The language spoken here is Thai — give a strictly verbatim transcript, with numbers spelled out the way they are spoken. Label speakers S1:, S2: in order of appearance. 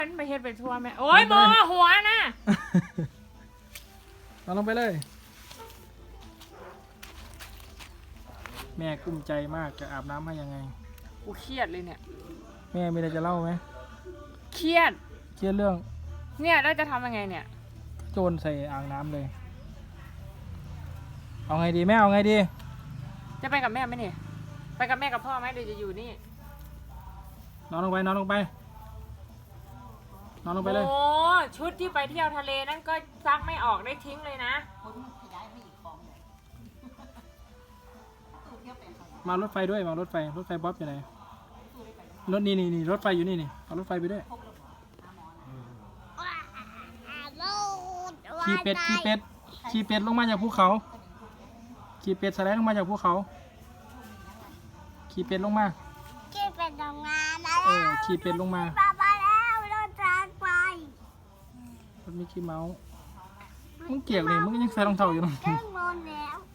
S1: มันไปเฮ็ดไปทัวร์แม่โอ้ยโมหัวนะ
S2: เอาลงไปเลยแม่กุ้มใจมากจะอาบน้ำให้ยังไง
S1: กูเครียดเลยเนี่ย
S2: แม่มีอะไรจะเล่าไหม
S1: เครียด
S2: เครียดเรื่อง
S1: เนี่ยแล้วจะทำยังไงเนี่ย
S2: โจรใส่อ่างน้ำเลยเอาไงดีแม่เอาไงดี
S1: จะไปกับแม่ไหมเนี่ยไปกับแม่กับพ่อไหมหรือจะอยู่นี่
S2: นอนลงไปนอนลงไปนอนลงไปเลย
S1: โอ้ชุดที่ไปเที่ยวทะเลนั่นก็ซักไม่ออกได้ทิ้งเลยนะ
S2: มารถไฟด้วยมารถไฟรถไฟบ๊อบอยู่ไหนรถนี่นี่นี่รถไฟอยู่นี่นี่เอารถไฟไปด้วยขี่เป็ดขี่เป็ดขี่เป็ดลงมาจากภูเขาขี่เป็ดสไลด์ลงมาจากภูเขาขี่เป็ดลงมา
S3: ขี่เป็ดลงมาแล้ว
S2: เออขี่เป็ดลงมา
S3: ไปแล้วรถทางไป
S2: รถมิกกี้เมาส์มึงเกี่ยวนี่มึงยังใส่รองเท้าอยู่นะ
S3: เรื่องโมแล้ว